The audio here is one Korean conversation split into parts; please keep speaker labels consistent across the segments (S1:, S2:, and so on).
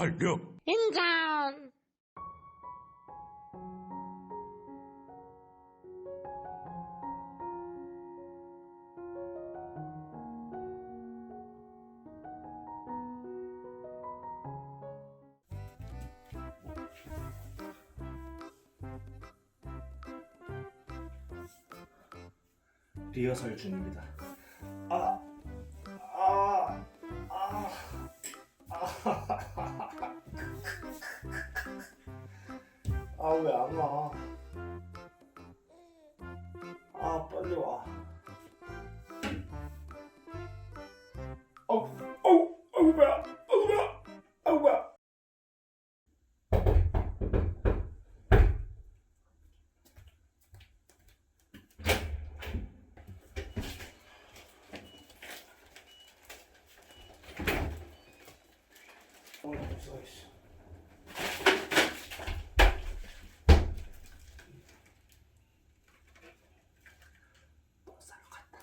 S1: 완료.
S2: 인정.
S3: 리허설 중입니다. 아, 아, 아, 아, 왜 안 와? 아, 빨리 와. 뭐야? 뭐야? 뭐야? 없어있어. 뭐 사러 갔다.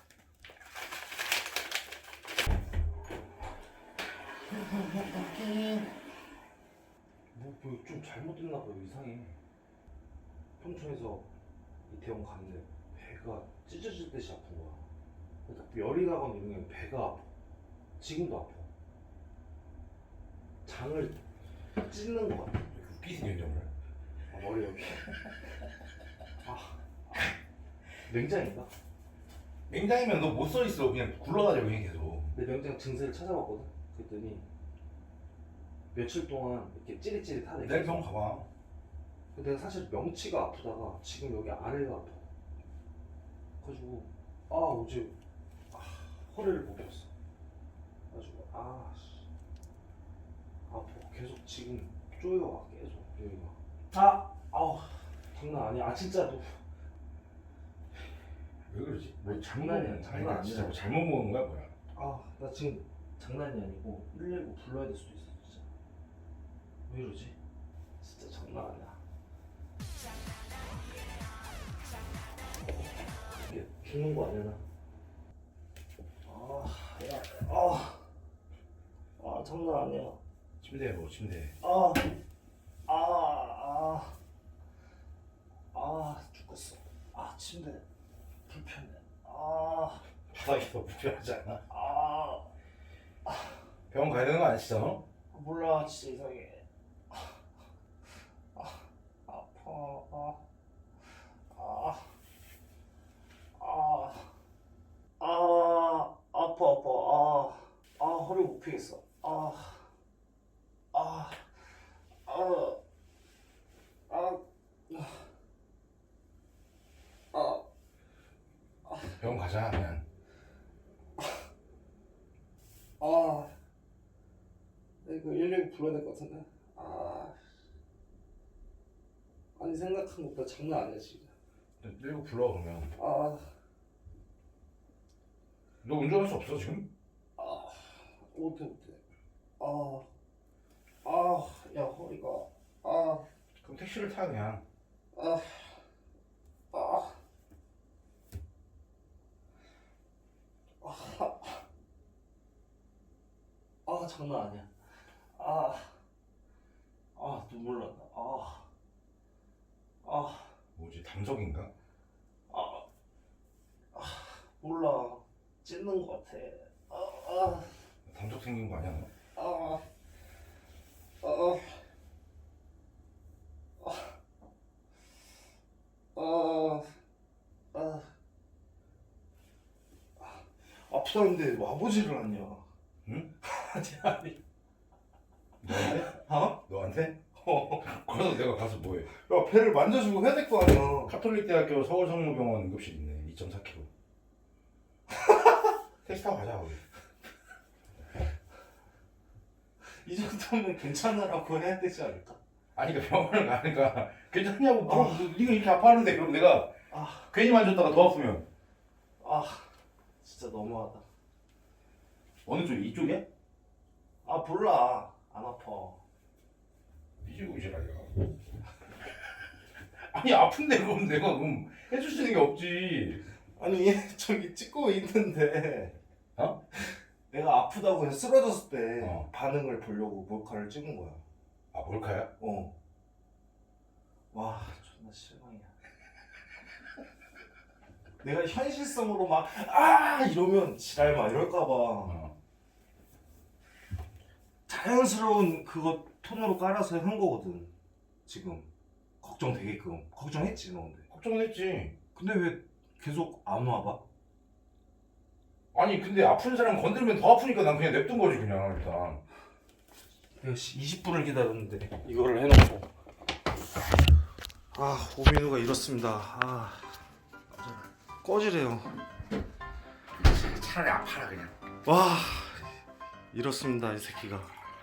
S3: 좀 잘못됐나 봐요. 이상해. 평촌에서 이태원 갔는데 배가 찢어질 듯이 아픈 거야. 딱 열이 나거나 이런 게 배가 아파. 지금도 아파. 장을 찢는 것 같아.
S1: 웃기지 년정을.
S3: 머리 여기. 맹장인가?
S1: 맹장이면 너 못 서 있어. 그냥 굴러다녀 그냥 계속.
S3: 내 맹장 증세를 찾아봤거든. 그랬더니 며칠 동안 이렇게 찌릿찌릿하네.
S1: 내일 병원 가봐.
S3: 근데 내가 사실 명치가 아프다가 지금 여기 아래가 아파. 그래가지고 어제 허리를 못 폈어. 그래가지고 아파. 계속 지금 쪼여와 계속 여기가. 장난 아니야. 진짜 너.
S1: 왜 그러지? 뭐
S3: 장난이야, 장난 아니야.
S1: 진짜 뭐 잘못 먹은 거야 뭐야?
S3: 나 지금 장난이 아니고 119 불러야 될 수도 있어. 진짜 왜 이러지? 진짜 장난 아니야. 이게 죽는 거 아니야 나? 장난 아니야.
S1: 침대에 뭐 침대.
S3: 죽겠어. 침대 불편해.
S1: 바닥이 더 불편하지 않아?
S3: 아
S1: 병원 가야 되는 거 아니시죠? 너?
S3: 몰라. 진짜 이상해. 아파. 아파. 허리 못 펴겠어.
S1: 병원 가자 그냥.
S3: 이거 119 불러야 될 것 같은데. 아니 생각한 것보다 장난 아니야 지금.
S1: 119 불러 그러면. 너 운전할 수 없어 지금?
S3: 못해. 야 허리가.
S1: 그럼 택시를 타 그냥.
S3: 장난 아니야. 눈물 난다.
S1: 뭐지 담석인가?
S3: 몰라. 찢는 것 같아.
S1: 담석 생긴 거 아니야 너?
S3: 아프다는데 와보지를 않냐.
S1: 응?
S3: 아니.
S1: 너한테? 너한테? 그래서 내가 가서 뭐해?
S3: 야, 배를 만져주고 해야 될 거 아니야.
S1: 카톨릭대학교 서울성모병원 응급실 있네. 2.4km. 택시 타고 가자 우리.
S3: 이 정도면 괜찮으라고 해야 되지 않을까?
S1: 아니 그러니까 병원을 가니까 괜찮냐고 물어. 네가 이렇게 아파하는데 그럼 내가 괜히 만졌다가 더 아프면.
S3: 진짜 너무하다.
S1: 어느 쪽? 이쪽이야?
S3: 몰라. 안 아파.
S1: 뒤지고 지랄이야. 아니 아픈데 그럼 내가 그럼 해줄 수 있는 게 없지.
S3: 아니 저기 찍고 있는데
S1: 어?
S3: 내가 아프다고 그냥 쓰러졌을 때
S1: 어.
S3: 반응을 보려고 몰카를 찍은 거야.
S1: 아 몰카야?
S3: 와 존나 실망이야. 내가 현실성으로 막 이러면 지랄 막 이럴까봐
S1: 어.
S3: 자연스러운 그거 톤으로 깔아서 한 거거든. 지금 걱정되게끔 걱정했지 너 근데.
S1: 걱정은 했지.
S3: 근데 왜 계속 안 와봐?
S1: 아니 근데 아픈 사람 건들면 더 아프니까 난 그냥 냅둔 거지 그냥 일단.
S3: 내가 20분을 기다렸는데 이거를 해놓고 오민우가 이렇습니다. 꺼지래요.
S1: 차라리 아파라 그냥.
S3: 와 이렇습니다 이 새끼가.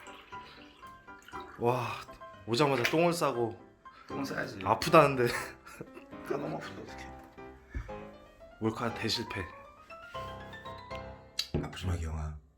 S3: 와 오자마자 똥을 싸고
S1: 똥 싸야지.
S3: 아프다는데
S1: 너무 아픈데 어떡해.
S3: 몰카 대실패.
S1: 아프지 마 기영아.